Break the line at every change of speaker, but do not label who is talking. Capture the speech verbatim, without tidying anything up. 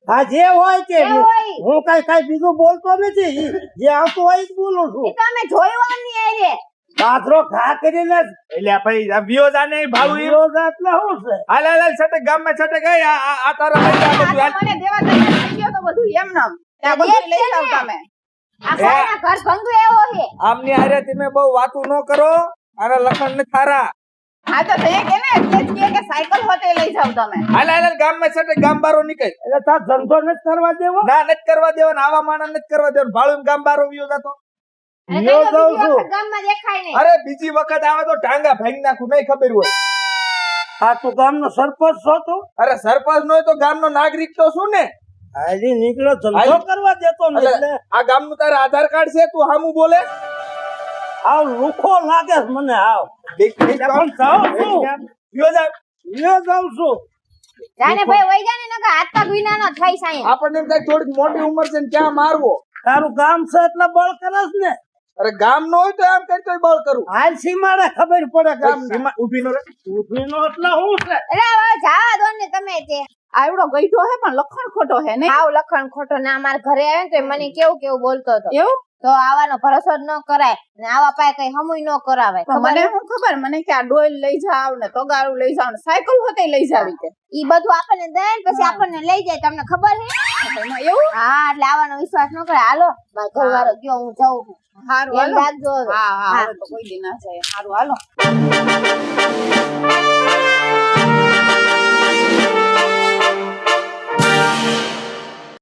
હા જે હોય તે
જે હોય.
હું કઈ કઈ બીજું બોલતો નથી જે આવતું હોય જ બોલું છું
એ તો અમે જોયું આમની હારે.
પાથરો ઘા કરીને
એટલે ભાઈ આ વિયો જાને ભાડું ઈ
રોજ એટલે શું છે
હાલ હાલ હાલ છટક ગામમાં છટક ગઈ આ આ- આ તારા લઈ જા બધું હાલ.
મને દેવા તૈયાર થઈ ગયો તો બધું એમ નમ ત્યાં બધું લઈ જાવ તમે
આ કોઈના ઘર ભંગુ એવો છે.
આમની હારે તમે બહુ વાતું ન કરો અને લખણ ને થારા
હા તો તે કે ને એટલે જ કે કે સાયકલ હોતે લઈ જાવ તમે
હાલ હાલ હાલ ગામમાં છટક ગામ બારો નીકળ
એટલે તાર ધંધો નથી કરવા દેવો
ના નથી કરવા દેવાના આવા માણસ નથી કરવા દેવાનું ભાડું એમ ગામ બારો વિયો જાતો
અને
વિયો
કઈ
જાઉં
બીજી
છું.
વખત ગામમાં દેખાય નહીં.
અરે બીજી વખત આવે તો ટાંગા ભાંગી નાખું નહીં ખબર હોય
આ તું ગામનો સરપંચ છો તું
અરે સરપંચ નો તો ગામનો નાગરિક તો શું ને
હાલી નીકળ્યો ધંધો
હાલી.
કરવા દેતો ને
એટલે
એટલે
આ ગામનું તારે આધાર કાર્ડ છે તું હામું બોલે
આવ લુખો લાગે છે મને આવ પણ જાઉં છું
વિયો જા.
વિયો જાઉં છું
જાને ભાઈ વઈ જાને નકર હાથ પગ વિનાનો થઈ સાયે.
આપણને એમ થાય થોડીક મોટી ઉંમર છે ને ક્યાં મારવો
તારું ગામ છે એટલે બળ કરે છે ને
અરે ગામ નો હોય તો એમ કઈ તો બળ કરું
હાલ સીમાડે ખબર પડે ગામ
સીમા ઊભી નો રે
ઉભીનો એટલે શું છે
એટલે હવે જાવા દો ને તમે તે.
આવડો ગઈઠો હે પણ લખણ ખોટો હે ને
હાવ લખણ ખોટો ના મારા ઘરે આવે ને તો એ મને કેવું કેવું બોલતો હતો
એવું
તો આવાનો ભરોસો જ ન કરાય ને આવા પાય કઈ હમુય ન કરાવાય.
પણ મને શું ખબર મને કે આ ડોલ લઈ જાવ ને તગારું લઈ જાવ ને સાયકલ હોતે લઈ જાવી કે
ઈ બધું આપણને દે ને પછી આપણને લઈ જાય તમને ખબર છે.
એમાં એવું
હા એટલે આવવાનો વિશ્વાસ ન કરે. હાલો મારો ઘરવાળો ગયો હું જાઉં છું.
હારું
એમ
હાલો
રાખજો હવે.
હા હા
હા.
હવે તો કોઈ દી ના જાય હારું હાલો